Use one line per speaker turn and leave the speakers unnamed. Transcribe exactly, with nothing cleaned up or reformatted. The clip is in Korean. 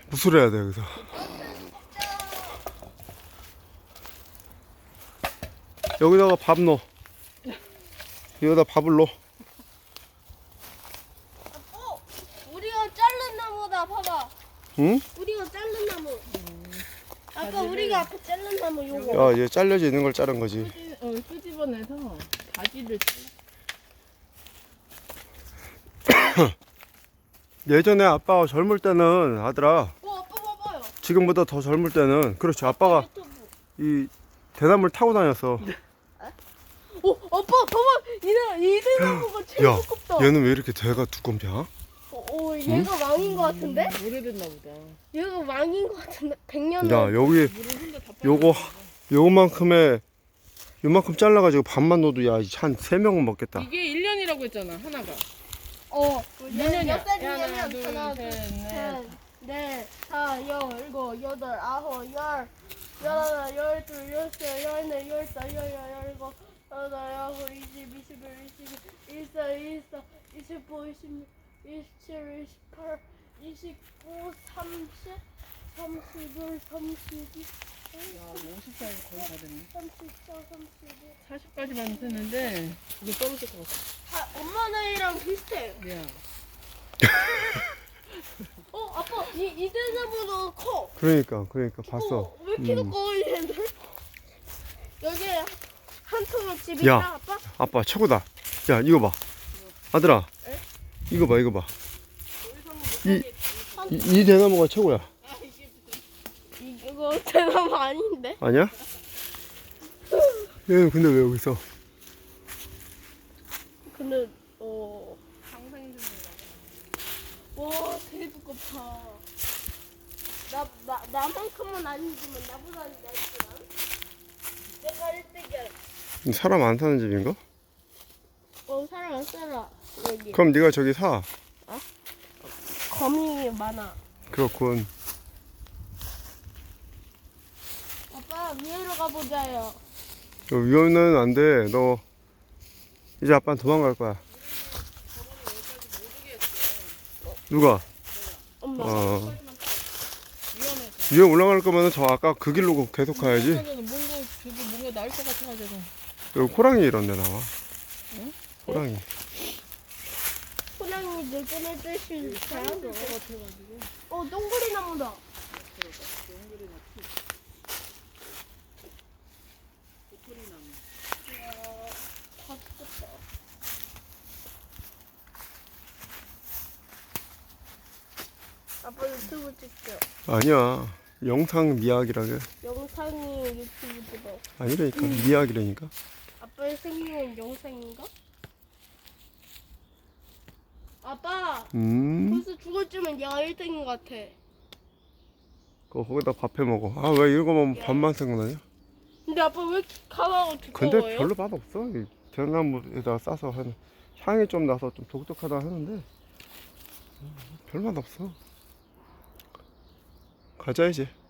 무술해야 돼 여기서. 여기다가 밥 넣어. 여기다 밥을 넣어.
어, 우리가 자른 나무다. 봐봐.
응?
우리가 자른 나무. 음. 아까 우리가 아까 자른 나무 요거.
야, 얘 잘려져 있는 걸 자른 거지.
끄집, 어, 끄집어내서 가지를
예전에 아빠가 젊을 때는 아들아,
어, 아빠 봐봐요.
지금보다 더 젊을 때는 그렇지 아빠가
유튜브.
이 대나무를 타고 다녔어.
오, 아빠 봐봐. 이, 이 대나무가 제일
야,
두껍다.
얘는 왜 이렇게 대가 두껍냐?
어, 어, 얘가 왕인 것 같은데?
오래됐나 보다.
얘가 왕인 것 같은데? 백 년.
야, 여기
물을 혼자 다
요거
빠져나가고.
요만큼에 요만큼 잘라가지고 밥만 넣어도 야, 한 세 명은 먹겠다.
이게 일 년이라고 했잖아, 하나가.
어,
몇 년이야?
몇 살이냐면
하나, 둘,
하나, 둘,
셋, 넷.
셋, 넷, 다, 여, 일곱, 여덟, 아홉, 열, 열하나, 열둘, 열세, 열네, 열다, 열여, 열일곱, 여덟, 아홉, 이십, 이십일, 이십이, 이십사, 이십사, 이십오, 이십육, 이십칠, 이십팔, 이십구, 삼십, 삼십일, 삼십이,
야, 오십 살 거의 다 됐네.
삼십사, 삼십오.
사십까지만 됐는데 이게 떨어질 것 같아.
아, 엄마 나이랑 비슷해.
야,
어, 아빠, 이, 이 대나무도 커.
그러니까 그러니까 봤어.
어, 왜 이렇게
음.
커, 얘들? 여기 한 통의 집이
야.
있다, 아빠?
아빠 최고다. 야, 이거 봐. 아들아.
에?
이거 봐, 이거 봐. 이, 이, 이 대나무가 최고야.
이거 대나무 아닌데?
아니야? 얘는 근데 왜 여기 있어?
근데, 어,
상상이
와, 되게 두껍다. 나, 나, 나만큼은 아니지만 나보다는 얇지만. 내가 일 등이야.
사람 안 사는 집인가?
어, 사람 안 살아. 여기.
그럼 네가 저기 사.
거미 많아.
그렇군.
아빠, 위로 가보자요.
너 위험은 안 돼. 너 이제 아빠는 도망갈 거야. 누가?
엄마.
어.
위험해서.
위에 올라갈 거면 저 아까 그 길로 계속 가야지.
뭔가 저기 뭔가 나을 것 같아가지고.
여기 호랑이 이런 데 나와.
응?
호랑이.
호랑이 늙은애 뜻이 잘하고.
것 같아가지고.
어, 동그리 나무다.
연결이 났지. 도토리 나무.
다 죽었다. 아빠 유튜브 찍죠.
아니야. 영상 미학이라게.
영상이 유튜브 찍어.
아니라니까. 미학이라니까.
아빠의 생일은 영상인가? 아빠,
음.
벌써 죽었지만 얘가 일 등인 것 같아.
그거 거기다 밥 해 먹어. 아, 왜 이거만 밥만 생각나냐?
근데 아빠 왜 이렇게 가마가 두꺼워요?
근데 별로 맛 없어. 이 대나무에다 싸서 하는 향이 좀 나서 좀 독특하다 하는데 별 맛 없어. 가자 이제.